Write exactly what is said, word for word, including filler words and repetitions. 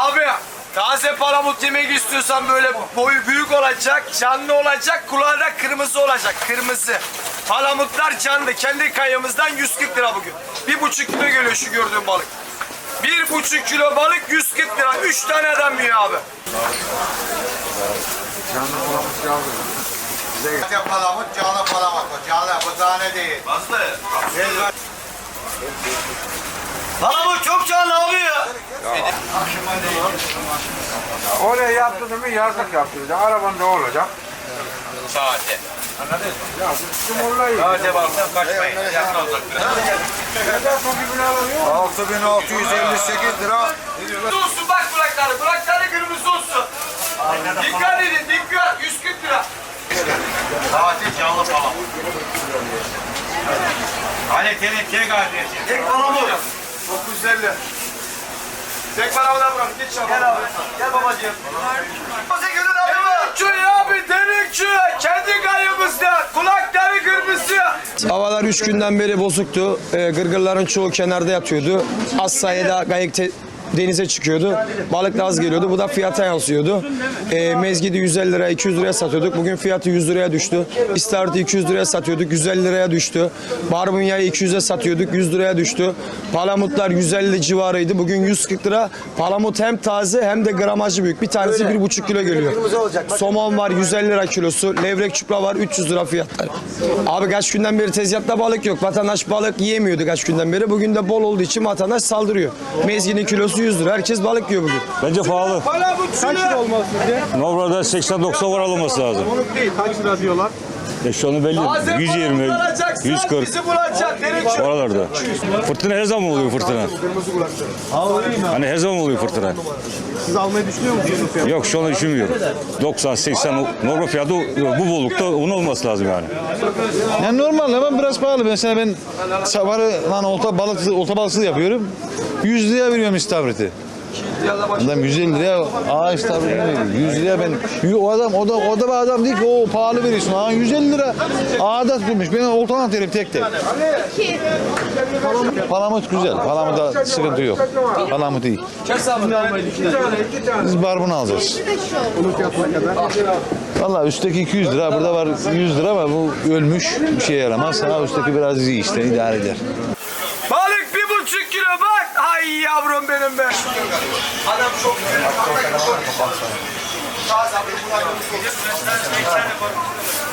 Abi taze palamut yemek istiyorsan böyle boyu büyük olacak, canlı olacak, kulağı da kırmızı olacak. Kırmızı. Palamutlar canlı. Kendi kayamızdan yüz kırk lira bugün. Bir buçuk kilo geliyor şu gördüğün balık. Bir buçuk kilo balık yüz kırk lira. Üç tane adam yiyor abi. Canlı palamut canlı. Canlı palamut, canlı palamut. Canlı, bu tane değil. Nasıl? Palamut çok canlı abi ya. Oraya yaptırdın mı yazlık yaptıracak. Arabanda olacak. Sade. Anladın mı? Ya bu cumhurlayı. Sade balıktan kaçmayın. Yakın olacak biraz. altı bin altı yüz elli sekiz lira. Kırmızı olsun bak kulakları. Kulakları kırmızı olsun. Dikkat edin dikkat. yüz kırk lira. Tatil canlı palamut. Hani tek tek kardeşim. Tek palamut. dokuz yüz elli. Tek palamut'a bırak. Git çabuk. Gel abi. Gel babacığım. Delikçi abi delikçi. Kendi kayımızda. Kulakları kırmızı. Havalar üç günden beri bozuktu. Ee, gırgırların çoğu kenarda yatıyordu. Az sayıda kayık te- denize çıkıyordu. Balık da az geliyordu. Bu da fiyata yansıyordu. Ee, mezgidi yüz elli liraya, iki yüz liraya satıyorduk. Bugün fiyatı yüz liraya düştü. İstavrit'i iki yüz liraya satıyorduk. yüz elli liraya düştü. Barbunya'yı iki yüze satıyorduk. yüz liraya düştü. Palamutlar yüz elli civarıydı. Bugün yüz kırk lira. Palamut hem taze hem de gramajı büyük. Bir tanesi bir buçuk kilo geliyor. Somon var yüz elli lira kilosu. Levrek çupra var üç yüz lira fiyatları. Abi kaç günden beri tezgahta balık yok. Vatandaş balık yiyemiyordu kaç günden beri. Bugün de bol olduğu için vatandaş saldırıyor. Mezginin kilosu yüz lira. Herkes balık yiyor bugün. Bence pahalı. Kaç lira olmalı sizce? Normalde seksen doksan var alınması lazım. Onluk değil. Kaç lira diyorlar? E şu anda belli. yüz yirmi, yüz kırk Bizi bulacak. Delikçi. oralarda. Fırtına her zaman oluyor fırtına. Kırmızı kulakları. Hani her zaman oluyor fırtına. Siz almayı düşünüyor musunuz? Fiyat? Yok şu anda düşünmüyorum. doksan seksen normal fiyatı bu bollukta onun olması lazım yani. Yani normal ama biraz pahalı. Mesela ben sabahı lan olta balık olta balıkçılığı yapıyorum. yüz liraya veriyorum istavriti. Adam yüz elli liraya aa istavrit veriyor. yüz liraya ben o adam o da o da bir adam değil ki o pahalı veriyorsun. Ha yüz elli lira ağda tutmuş. Ben oltadan atıyorum tek tek. Palamut güzel. Palamut'ta sıkıntı yok. Palamut iyi. Biz barbunu alacağız. Onun fiyatına kadar. Valla üstteki iki yüz lira, burada var yüz lira ama bu ölmüş, bir şeye yaramaz. Ha üstteki biraz iyi işte, idare eder. Balık bir buçuk kilo bak. Ay yavrum benim be. Adam çok güzel.